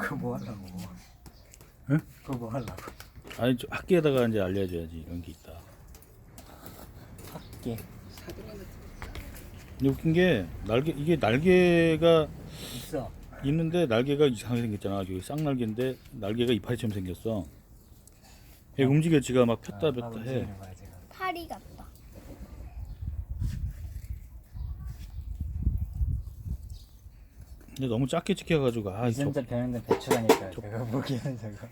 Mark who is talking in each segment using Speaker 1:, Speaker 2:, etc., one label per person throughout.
Speaker 1: 그거 뭐 하려고?
Speaker 2: 응?
Speaker 1: 그거 뭐 하려고?
Speaker 2: 아니 학교에다가 이제 알려줘야지 이런 게 있다.
Speaker 1: 학계
Speaker 2: 근데 웃긴 게 이게 날개가
Speaker 1: 있어.
Speaker 2: 있는데 날개가 이상하게 생겼잖아. 여기 쌍날개인데 날개가 이파리처럼 생겼어. 얘 움직여 지가 막 폈다 폈다 해.
Speaker 1: 움직이는 거야, 지금.
Speaker 3: 파리 같다.
Speaker 2: 근데 너무 작게 찍혀가지고
Speaker 1: 유전자 변형된 배추가니까 그거 보기에는 저거.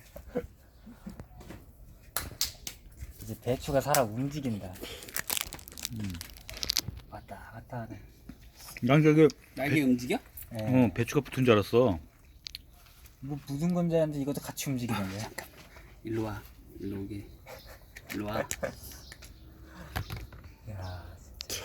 Speaker 1: 이제 배추가 살아 움직인다. 왔다 갔다 하네.
Speaker 2: 난 저게
Speaker 4: 날개 움직여?
Speaker 1: 예.
Speaker 2: 배추가 붙은 줄 알았어.
Speaker 1: 뭐 무슨 건지 아는데 이것도 같이 움직이던데.
Speaker 4: 일로 와. 일로 오게. 일로 와.
Speaker 1: 야, 진짜.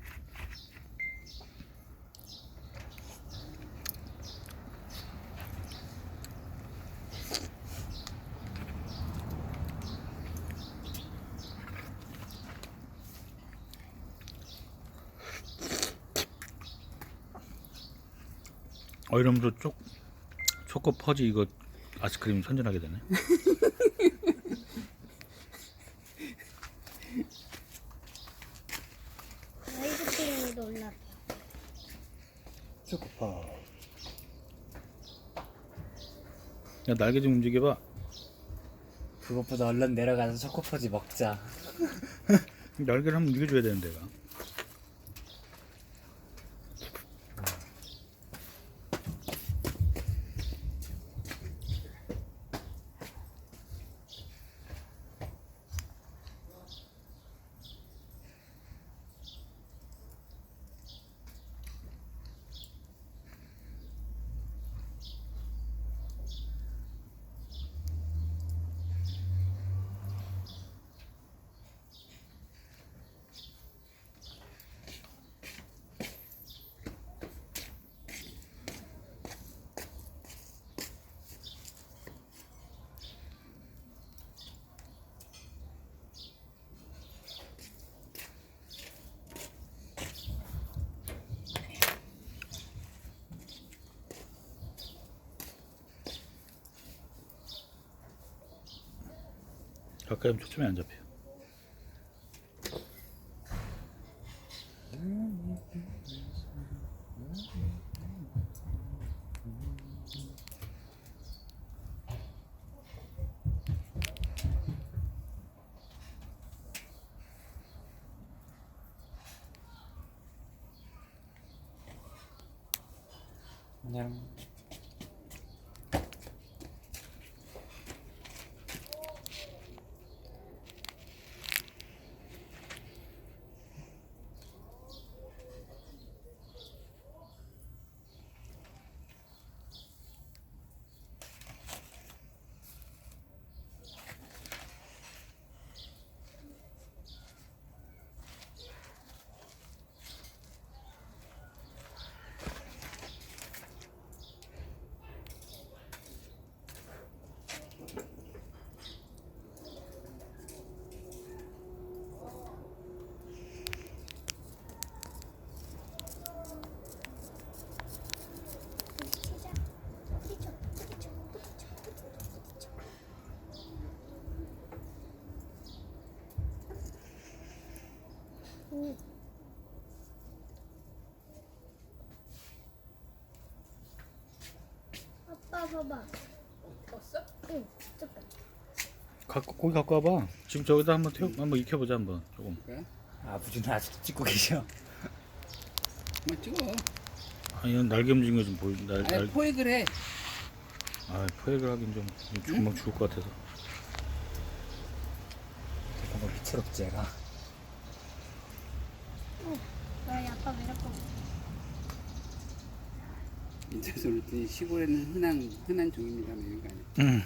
Speaker 2: 이러면서 초코 퍼지 이거 아이스크림 선전하게 되네.
Speaker 3: 아이스크림이 놀랐다.
Speaker 1: 초코파.
Speaker 2: 야 날개 좀 움직여봐.
Speaker 1: 그것보다 얼른 내려가서 초코퍼지 먹자.
Speaker 2: 날개를 한번 움직여줘야 되는데 내가. 가까이 하면 초점이 안 잡혀.
Speaker 1: 그냥
Speaker 3: 아빠 봐봐.
Speaker 5: 봤어?
Speaker 3: 응, 조금.
Speaker 2: 고기 갖고 와봐. 지금 저기다 한번 익혀보자 한번 조금.
Speaker 4: 그래?
Speaker 1: 아버지는 아직도 찍고 계셔.
Speaker 4: 한번 찍어.
Speaker 2: 아니 날개 움직이는 거 좀 보여.
Speaker 4: 아니 포획을 해.
Speaker 2: 포획을 하긴 좀 금방 죽을 것 같아서.
Speaker 1: 잠깐만 비채롭지 얘가.
Speaker 3: 너희 아빠 왜 이렇게
Speaker 4: 인터넷에 그랬더니 시골에는 흔한 종입니다. 뭐 이런 거 아니야?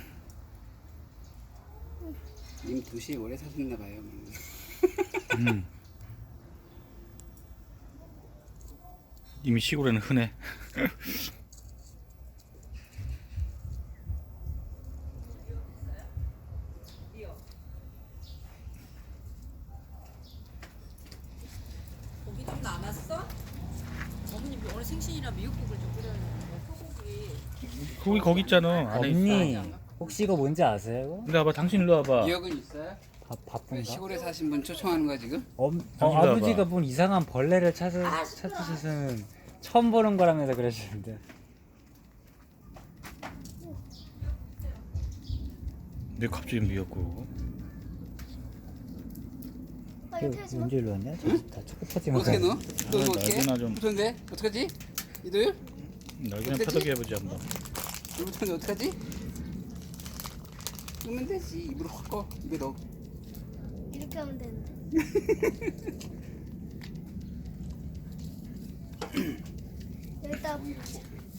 Speaker 4: 님 도시에 오래 사셨나 봐요.
Speaker 2: 이미 시골에는 흔해.
Speaker 5: 고기 좀 남았어? 어머님 오늘 생신이라 미역국을 좀 끓여야 되는데 소고기
Speaker 2: 거기 있잖아. 안에 있어.
Speaker 1: 언니 혹시 이거 뭔지 아세요?
Speaker 2: 근데 봐봐, 당신 일로 와봐.
Speaker 4: 기억은 있어요?
Speaker 1: 바쁜가?
Speaker 4: 시골에 사신 분 초청하는 거야 지금?
Speaker 2: 당신
Speaker 1: 아버지가
Speaker 2: 봐봐.
Speaker 1: 뭔 이상한 벌레를 찾으시는 처음 보는 거라면서 그러시는데.
Speaker 2: 왜 갑자기 미역국?
Speaker 3: 아빠 이거 태워줘.
Speaker 1: 언제 일로 왔냐? 다 초코 퍼지면
Speaker 4: 어떻게 넣어? 너
Speaker 2: 아,
Speaker 4: 어떻게?
Speaker 2: 날개나 좀-
Speaker 4: 붙었는데? 어떡하지? 이도율?
Speaker 2: 날개는
Speaker 4: 어떡하지?
Speaker 2: 펴덕이 해보지 한번.
Speaker 4: 이거 붙었는데 어떡하지? 끄면 되지. 입으로 확 꺼. 입에 넣어.
Speaker 3: 이렇게 하면 되는데. 여기다 붙여.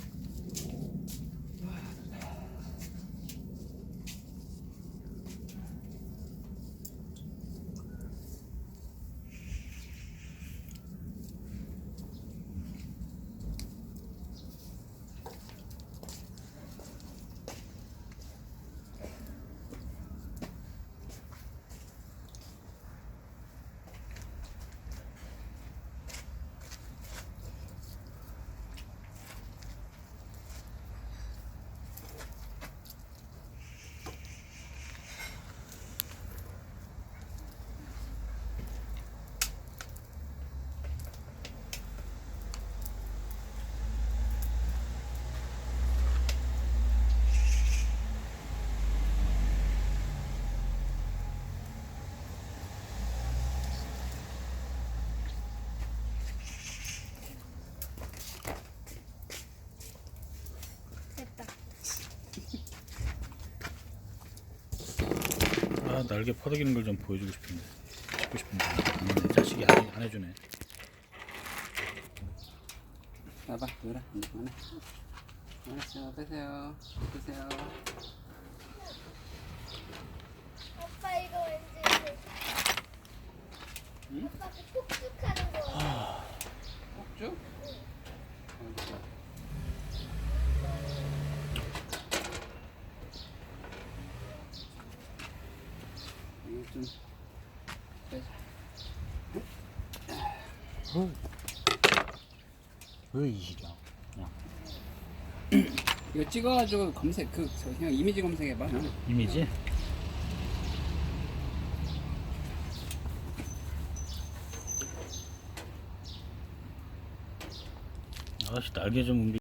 Speaker 3: 됐다.
Speaker 2: 아, 날개 퍼덕이는 걸 좀 보여주고 싶은데. 찍고 싶은데. 내 자식이 안 해주네.
Speaker 4: 봐봐, 놀아. 하나. 알았어, 빼세요. 빼세요.
Speaker 3: 아빠 이거 왠지
Speaker 4: 응?
Speaker 3: 아빠 그 폭죽하는 거 같아.
Speaker 4: 꼭쭉? 이거 좀 빼자.
Speaker 1: 왜 이시죠?
Speaker 4: 이거 찍어가지고 검색 그냥 이미지 검색해봐.
Speaker 2: 이미지? 아씨, 날개 좀 움직.